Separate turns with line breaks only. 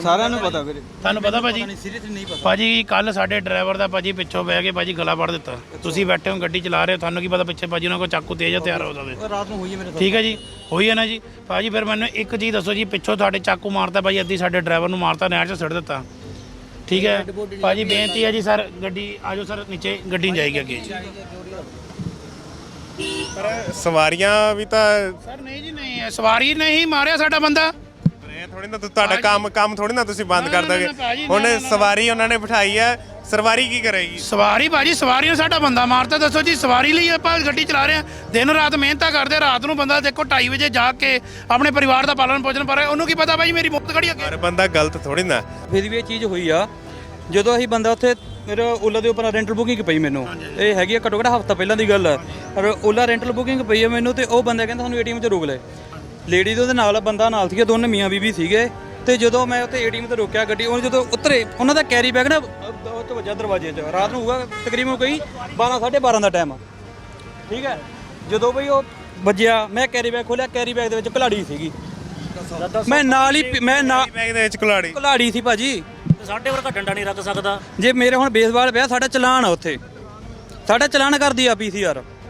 ਸਾਰਿਆਂ ਨੂੰ ਪਤਾ ਵੀਰੇ।
ਤੁਹਾਨੂੰ ਪਤਾ ਭਾਜੀ?
ਸੀਰੀਅਸਲੀ ਨਹੀਂ ਪਤਾ
ਭਾਜੀ ਕੱਲ ਸਾਡੇ ਡਰਾਈਵਰ ਦਾ ਭਾਜੀ ਪਿੱਛੋਂ ਬਹਿ ਕੇ ਭਾਜੀ ਗਲਾ ਵੜ ਦਿੱਤਾ। ਤੁਸੀਂ ਬੈਠੇ ਹੋ ਗੱਡੀ ਚਲਾ ਰਹੇ ਹੋ, ਤੁਹਾਨੂੰ ਕੀ ਪਤਾ ਪਿੱਛੇ ਭਾਜੀ ਉਹਨਾਂ ਕੋਲ ਚਾਕੂ ਤੇਜ਼ ਹਥਿਆਰ ਹੋ ਸਕਦੇ।
ਰਾਤ ਨੂੰ ਹੋਈ ਹੈ ਮੇਰੇ।
ਠੀਕ ਹੈ ਜੀ, ਹੋਈ ਹੈ ਨਾ ਜੀ ਭਾਜੀ। ਫਿਰ ਮੈਨੂੰ ਇੱਕ ਚੀਜ਼ ਦੱਸੋ ਜੀ, ਪਿੱਛੋਂ ਤੁਹਾਡੇ ਚਾਕੂ ਮਾਰਤਾ ਭਾਜੀ, ਅੱਧੀ ਸਾਡੇ ਡਰਾਈਵਰ ਨੂੰ ਮਾਰਤਾ, ਨਹਿਰ 'ਚ ਸੁੱਟ ਦਿੱਤਾ। ਠੀਕ ਹੈ ਭਾਜੀ, ਬੇਨਤੀ ਹੈ ਜੀ ਸਰ, ਗੱਡੀ ਆ ਜਾਓ ਸਰ ਨੀਚੇ, ਗੱਡੀ ਨਹੀਂ ਜਾਏਗੀ ਅੱਗੇ ਜੀ।
ਪਰ ਸਵਾਰੀਆਂ ਵੀ ਤਾਂ
ਸਰ ਨਹੀਂ ਜੀ ਨਹੀਂ, ਸਵਾਰੀ ਨਹੀਂ ਮਾਰਿਆ ਸਾਡਾ ਬੰਦਾ।
ਇਹ ਥੋੜੀ ਨਾ ਤੁਹਾਡਾ ਕੰਮ ਥੋੜੀ ਨਾ ਤੁਸੀਂ ਬੰਦ ਕਰ ਦੋਗੇ।
ਭਾਜੀ,
ਹੁਣ ਸਵਾਰੀ ਉਹਨਾਂ ਨੇ ਬਿਠਾਈ ਹੈ, ਸਵਾਰੀ ਕੀ ਕਰੇਗੀ?
ਸਵਾਰੀ ਭਾਜੀ, ਸਵਾਰੀ ਨੂੰ ਸਾਡਾ ਬੰਦਾ ਮਾਰਤਾ। ਦੱਸੋ ਜੀ, ਸਵਾਰੀ ਲਈ ਆਪਾਂ ਗੱਡੀ ਚਲਾ ਰਹੇ ਹਾਂ, ਦਿਨ ਰਾਤ ਮਿਹਨਤਾਂ ਕਰਦੇ। ਰਾਤ ਨੂੰ ਬੰਦਾ ਦੇਖੋ 2:30 ਵਜੇ ਜਾ ਕੇ ਆਪਣੇ ਪਰਿਵਾਰ ਦਾ ਪਾਲਣ ਪੋਸ਼ਣ ਕਰ ਰਿਹਾ, ਉਹਨੂੰ ਕੀ ਪਤਾ ਭਾਜੀ ਮੇਰੀ ਮੁੱਕ ਖੜੀ ਅੱਗੇ।
ਹਰ ਬੰਦਾ ਗਲਤ ਥੋੜੀ ਨਾ।
ਫਿਰ ਵੀ ਇਹ ਚੀਜ਼ ਹੋਈ ਆ ਜਦੋਂ ਅਸੀਂ ਬੰਦਾ ਉੱਥੇ ਮੇਰੇ ਓਲਾ ਦੇ ਉੱਪਰ ਰੈਂਟਲ ਬੁਕਿੰਗ ਪਈ ਮੈਨੂੰ। ਇਹ ਹੈਗੀ ਆ ਘੱਟੋ ਘੱਟ ਹਫ਼ਤਾ ਪਹਿਲਾਂ ਦੀ ਗੱਲ ਆ। ਪਰ ਓਲਾ ਰੈਂਟਲ ਬੁਕਿੰਗ ਪਈ ਆ ਮੈਨੂੰ, ਤੇ ਉਹ ਬੰਦਾ ਕਹਿੰਦਾ ਸਾਨੂੰ ਏਟੀਐਮ 'ਚ ਰੋਕ ਲੈ। ਲੇਡੀ ਦੇ ਉਹਦੇ ਨਾਲ ਬੰਦਾ ਨਾਲ ਸੀਗੇ, ਦੋਨੇ ਮੀਆਂ ਬੀਬੀ ਸੀਗੇ। ਤੇ ਜਦੋਂ ਮੈਂ ਉੱਥੇ ਏਟੀਐਮ ਤੇ ਰੋਕਿਆ ਗੱਡੀ, ਉਹ ਜਦੋਂ ਉਤਰੇ ਉਹਨਾਂ ਦਾ ਕੈਰੀ ਬੈਗ ਨਾ ਉਹ 'ਚ ਵੱਜਾ ਦਰਵਾਜ਼ੇ 'ਚ। ਰਾਤ ਨੂੰ ਹੋਊਗਾ ਤਕਰੀਬਨ ਕੋਈ 12 12:30 ਦਾ ਟਾਈਮ। ਠੀਕ ਹੈ, ਜਦੋਂ ਬਈ ਉਹ ਵੱਜਿਆ, ਮੈਂ ਕੈਰੀ ਬੈਗ ਖੋਲਿਆ, ਕੈਰੀ ਬੈਗ ਦੇ ਵਿੱਚ ਘਲਾੜੀ ਸੀਗੀ। ਮੈਂ ਨਾਲ ਹੀ
ਬੈਗ ਦੇ ਵਿੱਚ
ਘਲਾੜੀ ਸੀ ਭਾਜੀ।
ਸਾਡੇ ਵਰਗਾ ਡੰਡਾ ਨਹੀਂ ਰੱਖ ਸਕਦਾ।
ਜੇ ਮੇਰੇ ਹੁਣ ਬੇਸਬਾਲ ਪਿਆ, ਸਾਡਾ ਚਲਾਨ ਆ ਉੱਥੇ, ਸਾਡਾ ਚਲਾਨ ਕਰਦੀ ਆ ਪੀਸੀਆਰ।